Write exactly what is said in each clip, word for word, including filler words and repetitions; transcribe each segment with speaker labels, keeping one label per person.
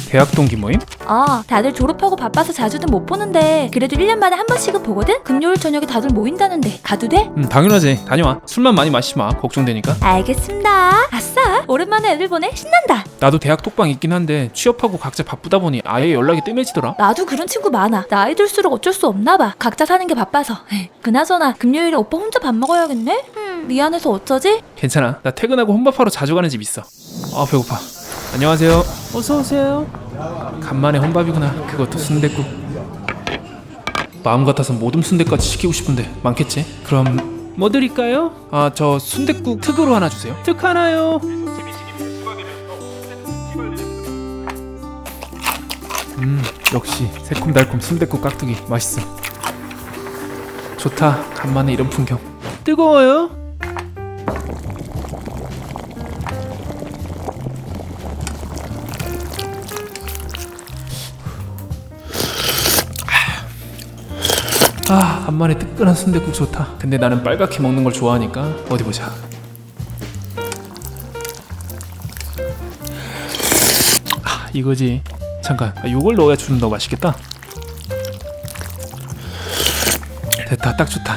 Speaker 1: 대학 동기 모임?
Speaker 2: 어, 다들 졸업하고 바빠서 자주는 못 보는데 그래도 일 년 만에 한 번씩은 보거든? 금요일 저녁에 다들 모인다는데 가도 돼?
Speaker 1: 응 당연하지. 다녀와. 술만 많이 마시지 마. 걱정되니까.
Speaker 2: 알겠습니다. 아싸, 오랜만에 애들 보네. 신난다.
Speaker 1: 나도 대학 톡방 있긴 한데 취업하고 각자 바쁘다 보니 아예 연락이 뜸해지더라.
Speaker 2: 나도 그런 친구 많아. 나이 들수록 어쩔 수 없나 봐. 각자 사는 게 바빠서. 그나저나 금요일에 오빠 혼자 밥 먹어야겠네? 음, 미안해서 어쩌지?
Speaker 1: 괜찮아. 나 퇴근하고 혼밥하러 자주 가는 집 있어. 아 배고파. 안녕하세요.
Speaker 3: 어서 오세요.
Speaker 1: 간만에 혼밥이구나. 그것도 순댓국. 마음 같아서 모둠 순댓까지 시키고 싶은데 많겠지? 그럼 뭐 드릴까요? 아 저 순댓국 특으로 하나 주세요.
Speaker 3: 특 하나요.
Speaker 1: 음 역시 새콤달콤 순댓국 깍두기 맛있어. 좋다. 간만에 이런 풍경.
Speaker 3: 뜨거워요.
Speaker 1: 아 간만에 뜨끈한 순댓국 좋다. 근데 나는 빨갛게 먹는 걸 좋아하니까 어디 보자. 아 이거지. 잠깐 아, 이걸 넣어야 좀 더 맛있겠다. 됐다. 딱 좋다.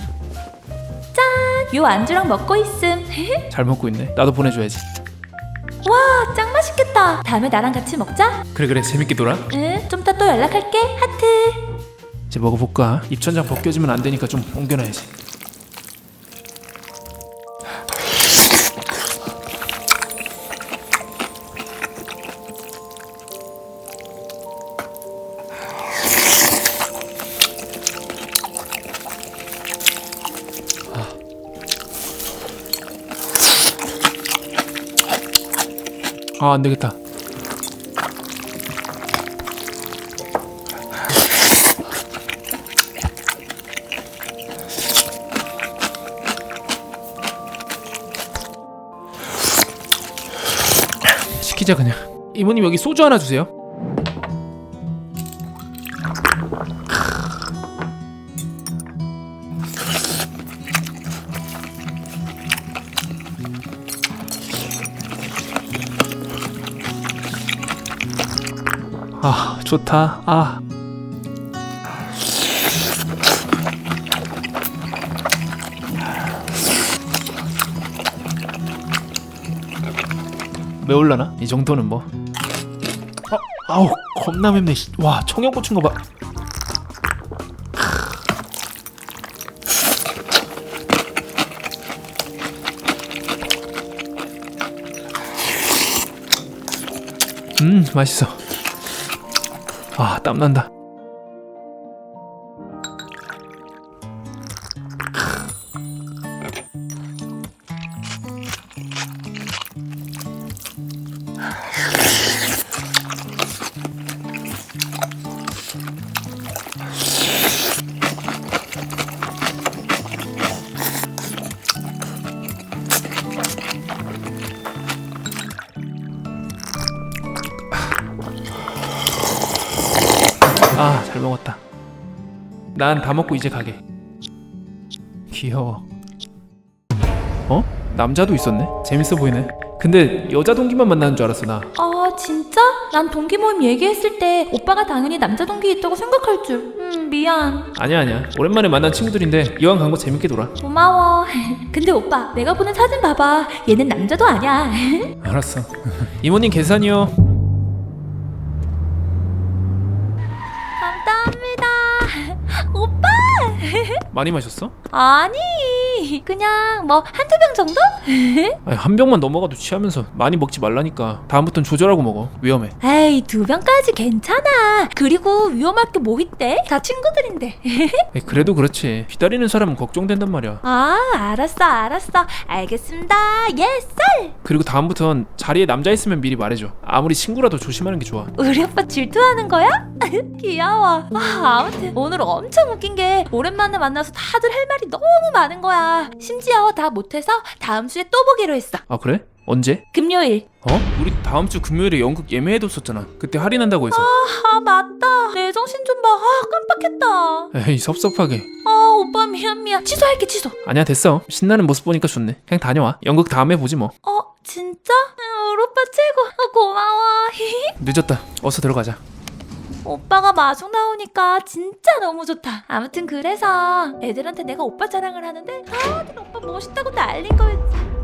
Speaker 2: 요 안주랑 먹고 있음.
Speaker 1: 잘 먹고 있네. 나도 보내줘야지.
Speaker 2: 와, 짱 맛있겠다. 다음에 나랑 같이 먹자.
Speaker 1: 그래 그래 재밌게 놀아.
Speaker 2: 응, 좀 이따 또 연락할게. 하트.
Speaker 1: 이제 먹어볼까? 입천장 벗겨지면 안 되니까 좀 옮겨놔야지. 아 안되겠다. 시키자 그냥. 이모님 여기 소주 하나 주세요. 아 좋다. 아 매울라나? 이 정도는 뭐. 어, 아우 겁나 맵네. 와 청양 고추인 거 봐. 음 맛있어. 아 땀난다. 아, 잘 먹었다. 난 다 먹고 이제 가게. 귀여워. 어? 남자도 있었네? 재밌어 보이네. 근데 여자 동기만 만나는 줄 알았어 나.
Speaker 2: 아, 진짜? 난 동기 모임 얘기했을 때 오빠가 당연히 남자 동기 있다고 생각할 줄. 음, 미안.
Speaker 1: 아니야 아니야. 오랜만에 만난 친구들인데 이왕 간 거 재밌게 놀아.
Speaker 2: 고마워. 근데 오빠, 내가 보낸 사진 봐봐. 얘는 남자도 아니야.
Speaker 1: 알았어. 이모님 계산이요.
Speaker 2: 감사합니다. 오빠!
Speaker 1: 많이 마셨어?
Speaker 2: 아니, 그냥 뭐 한두 병 정도?
Speaker 1: 아니, 한 병만 넘어가도 취하면서 많이 먹지 말라니까. 다음부턴 조절하고 먹어. 위험해.
Speaker 2: 에이, 두 병까지 괜찮아. 그리고 위험할 게 뭐 있대? 다 친구들인데.
Speaker 1: 에이, 그래도 그렇지. 기다리는 사람은 걱정된단 말이야.
Speaker 2: 아, 알았어, 알았어. 알겠습니다. 예, 썰!
Speaker 1: 그리고 다음부턴 자리에 남자 있으면 미리 말해줘. 아무리 친구라도 조심하는 게 좋아.
Speaker 2: 우리 오빠 질투하는 거야? 귀여워. 아, 아무튼 오늘 엄청 웃긴 게 오랜만에 만나서 다들 할 말이 너무 많은 거야. 심지어 다 못해서 다음 주에 또 보기로 했어.
Speaker 1: 아 그래? 언제?
Speaker 2: 금요일.
Speaker 1: 어? 우리 다음 주 금요일에 연극 예매해뒀었잖아. 그때 할인한다고 해서.
Speaker 2: 아 맞다. 내 정신 좀 봐. 아 깜빡했다.
Speaker 1: 에이 섭섭하게.
Speaker 2: 아 오빠 미안 미안. 취소할게 취소.
Speaker 1: 아니야 됐어. 신나는 모습 보니까 좋네. 그냥 다녀와. 연극 다음에 보지 뭐.
Speaker 2: 어 진짜? 응, 우리 오빠 최고. 아, 고마워.
Speaker 1: 늦었다. 어서 들어가자.
Speaker 2: 오빠가 마중 나오니까 진짜 너무 좋다. 아무튼 그래서 애들한테 내가 오빠 자랑을 하는데 다들 오빠 멋있다고 난린 거였지.